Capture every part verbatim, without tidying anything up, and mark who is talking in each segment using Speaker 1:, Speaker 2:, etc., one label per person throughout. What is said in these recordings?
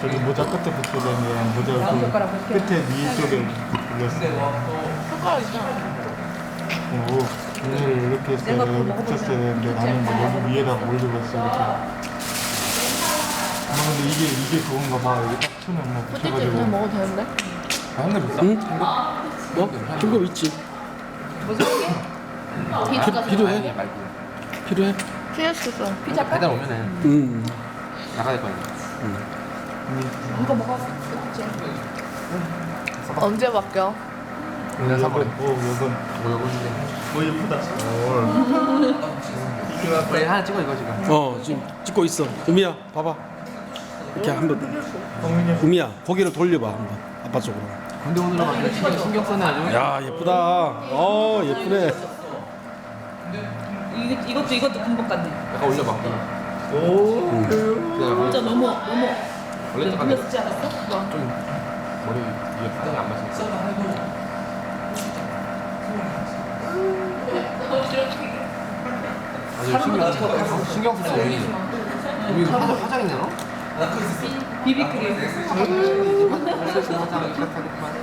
Speaker 1: 저기 모자 끝에 붙여야 되는 모자 그 끝에 위 쪽에 붙였어.
Speaker 2: 숟가락이잖아.
Speaker 1: 오, 오늘 이렇게 했어야 돼. 여기 붙였어야 되는데 나는 뭐 여기 위에다가 올리고 있어 이렇게. 아 근데 이게 이게 그건가 봐. 여기 딱 손에 뭐
Speaker 2: 뿌띠지
Speaker 1: 붙여가지고.
Speaker 2: 그냥 먹어도 되는데?
Speaker 3: 아, 현금 있어?
Speaker 4: 응? 뭐? 중급 있지.
Speaker 2: 무슨 게? 피자가
Speaker 4: 필요해?
Speaker 3: 아니, 말고.
Speaker 4: 필요해?
Speaker 2: 피자스도
Speaker 3: 피자 배달 오면은
Speaker 4: 응.
Speaker 3: 나가야 될 거 아니야.
Speaker 2: 이거 먹어. 언제 바뀌어?
Speaker 3: 오늘 사 번.
Speaker 1: 오, 이건
Speaker 3: 뭐 요건데.
Speaker 1: 뭐 예쁘다.
Speaker 3: 우리 하나 찍어 이거 지금.
Speaker 4: 어, 지금 찍고 있어. 우미야, 봐봐. 이렇게 한번. 우미야, 고개를 돌려봐 한번. 아빠 쪽으로.
Speaker 3: 근데 오늘은 막 신경, 신경 쓰네 아주.
Speaker 4: 야, 예쁘다. 어, 예쁘네.
Speaker 5: 이거, 이것도 이것도 금방 같네.
Speaker 3: 약간 올려봐.
Speaker 1: 오,
Speaker 5: 진짜
Speaker 3: 그냥
Speaker 5: 너무 너무
Speaker 3: 원래 약간
Speaker 5: 불렸지 않았어?
Speaker 3: 좀 머리 위에 파장이 안 맞으니까. 아주 신경 신경 쓰지 우리. 우리 화장 화장 있냐 너?
Speaker 5: 비비크림.
Speaker 3: 화장 이렇다니까만.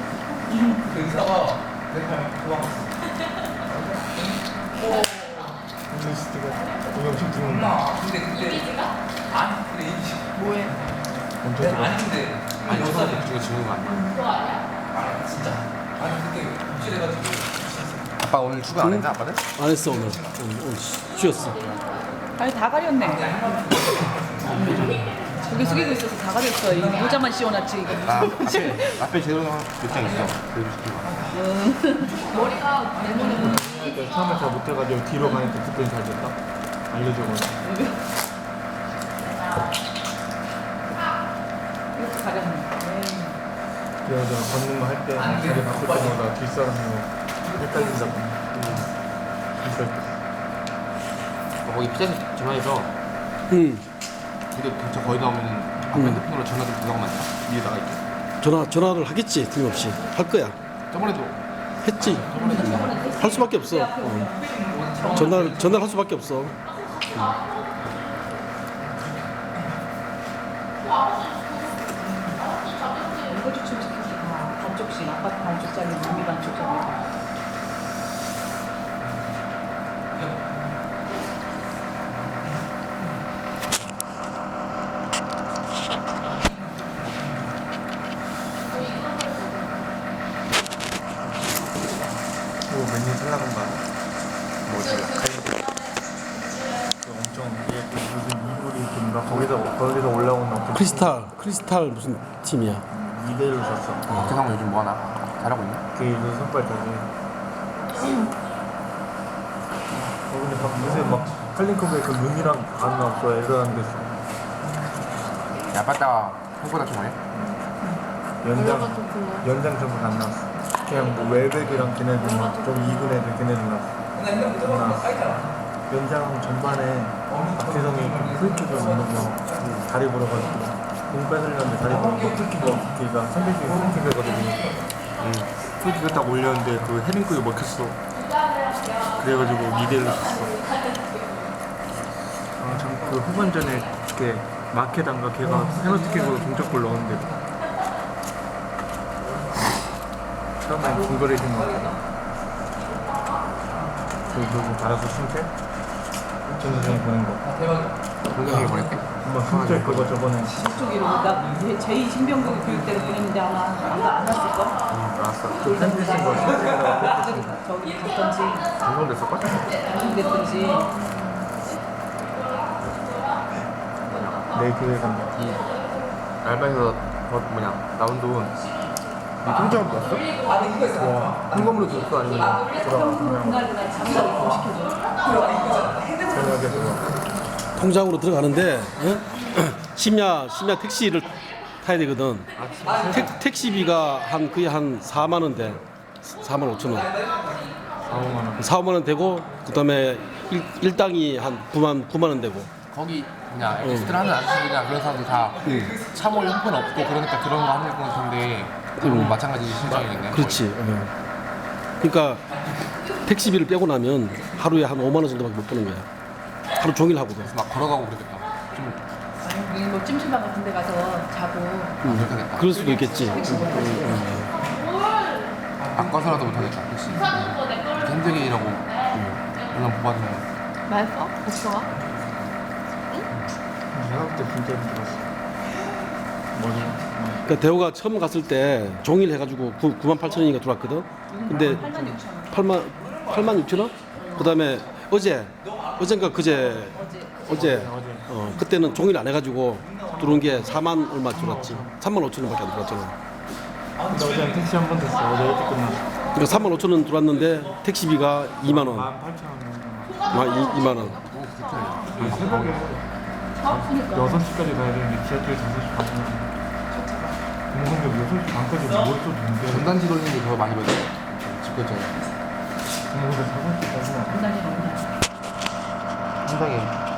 Speaker 1: 리스트가 동영상 찍는다.
Speaker 2: 뭐해?
Speaker 1: 엄청 좋아.
Speaker 3: 아니 저거 중에 주는 거 아니야? 아빠 오늘 출근 안 했나 아빠는?
Speaker 4: 안 했어 오늘. 오늘, 오늘 쉬- 쉬었어.
Speaker 5: 아니 다 가렸네. 고개 숙이고 있어서 다 가렸어. 이 모자만 씌워놨지 이거.
Speaker 3: 나 앞에 앞에 제대로 몇장 있어. 그래도 시키고.
Speaker 2: 머리가 네모네모.
Speaker 1: 그러니까 처음에 잘 못해가지고 뒤로 가니까 그때는 잘 됐다. 알려줘가지고.
Speaker 5: 이렇게 가렸네.
Speaker 1: 그래서 걷는 거 할 때 자리 바꿀 때마다 뒷사람이 헷갈린다고. 헷갈려.
Speaker 3: 어, 거기 피자집 전화해서
Speaker 4: 응.
Speaker 3: 근데 도착 거의 나오면은 아빠
Speaker 4: 음.
Speaker 3: 핸드폰으로 전화 좀 부탁하면 안 돼? 위에다가 이렇게.
Speaker 4: 전화 전화를 하겠지. 틀림없이 할 거야.
Speaker 3: 저번에도
Speaker 4: 했지. 할 수밖에 없어. 어. 전화 전화를 할 수밖에 없어.
Speaker 5: 이거 좀 시켜서 반쪽씩 아파트 반쪽짜리, 우리 반쪽짜리.
Speaker 1: 오, 맨날 살라간 거 알아?
Speaker 3: 뭐 연락.
Speaker 1: 그 엄청 이게 그 무슨 이불이 있던가 거기서 거기서 올라오는 엄청
Speaker 4: 크리스탈 크리스탈 무슨 팀이야?
Speaker 1: 이 대를 샀어.
Speaker 3: 박태상 요즘 뭐 하나? 잘하고 있나?
Speaker 1: 그 요즘 손발 저기. 어 근데 막 요새 막 칼링컵에 그 눈이랑 안 나왔어. 애들 안 됐어.
Speaker 3: 야 아빠가 홍보다 좀 해.
Speaker 1: 연장
Speaker 2: 연락은 좀 불러.
Speaker 1: 연장 전부 안 나왔어. 그냥 뭐 웰백이랑 걔네들 막좀 이군 애들 걔네들 나왔어. 안 나왔어. 연장 전반에 박혜성이 프리킥을 못 넣고 다리 부러가지고 공 뺏으려는데 다리 부러고 프리킥 걔가 상대쪽에 프리킥을 거거든요.
Speaker 3: 응.
Speaker 1: 프리킥을 딱 올렸는데 그 헤딩골이 먹혔어. 그래가지고 이 대일로 졌어. 아참 그 후반전에 걔 마케단가 걔가 페널티킥으로 동점골 넣었는데 처음에 중거리 해준 거 같아. 그 누구 받아서 승태? 전 선생님 보낸 거.
Speaker 3: 공격이 보냈대?
Speaker 1: 한번 승태 그거 저번에
Speaker 5: 저쪽으로 나 제이 신병국 교육대로 보냈는데 아마 아마 안 왔을걸?
Speaker 3: 응 알았어.
Speaker 1: 그 팬티 쓴거 승태가 팬티 쓴
Speaker 5: 저기 갔던지
Speaker 3: 방송됐을걸?
Speaker 5: 방송됐던지
Speaker 1: 내 교회 간다.
Speaker 3: 이 알바에서 더 뭐냐 나온 돈 이 통장으로 넣었어?
Speaker 1: 와,
Speaker 3: 현금으로 줬어 아니면
Speaker 1: 돌아가 그냥
Speaker 5: 그날 그날 장사를 좀 시켜줘.
Speaker 1: 저녁에 그거.
Speaker 4: 통장으로 들어가는데 어? 심야 심야 택시를 타야 되거든. 택, 택시비가 한 거의 한 사만 원 돼. 사만 오천 원.
Speaker 1: 사오만 원.
Speaker 4: 사오만 원 되고 그다음에 일, 일당이 한 구만 구만 원 되고.
Speaker 3: 거기 뭐냐 엑스트라 하는 아저씨들이나 그런 사람들 다 차몰 형편 없고 그러니까 그런 거 하는 것 같은데 그럼
Speaker 4: 음.
Speaker 3: 마찬가지 심정이겠네.
Speaker 4: 그렇지. 어. 그러니까 택시비를 빼고 나면 하루에 한 오만 원 정도밖에 못 버는 거야. 하루 종일 하고도.
Speaker 3: 막 걸어가고 그러겠다. 좀
Speaker 5: 여기 뭐 찜질방 같은 데 가서 자고
Speaker 4: 음,
Speaker 3: 못하겠다.
Speaker 4: 그럴 수도 있겠지.
Speaker 5: 택시 못 타고.
Speaker 3: 바꿔서라도 못하겠다. 택시. 이렇게 힘들게 일하고 연락 못 받으면
Speaker 2: 맛있어? 복숭아?
Speaker 1: 내가 그때 진짜 힘들었어. 뭐지?
Speaker 4: 그러니까 대호가 처음 갔을 때 종일 해가지고 구만 팔천 원인가 들어왔거든. 근데
Speaker 5: 팔만 육천 원.
Speaker 4: 팔만 팔만 육천 원? 그다음에 어제 어젠가 그제 어제
Speaker 1: 어제.
Speaker 4: 어 그때는 종일 안 해가지고 들어온 게 사만 얼마 들어왔지. 삼만 오천 원밖에 안 들어왔잖아.
Speaker 1: 근데 어제 택시 한 번 됐어. 어제 일찍 끝났어.
Speaker 4: 그러니까 삼만 오천 원 들어왔는데 택시비가 이만 원,
Speaker 1: 만 팔천 원.
Speaker 4: 아 이만 원.
Speaker 1: 새벽에
Speaker 5: 아프니까.
Speaker 1: 여섯 시까지 가야 되는데 지하철 다섯 시 반이면 동성역 여섯 시 반까지 뭘 또 준대.
Speaker 3: 전단지 돌리는 게 더 많이 받아. 집결자에.
Speaker 1: 동성역 다섯 시까지는
Speaker 5: 분당이 너무 나.
Speaker 3: 상당히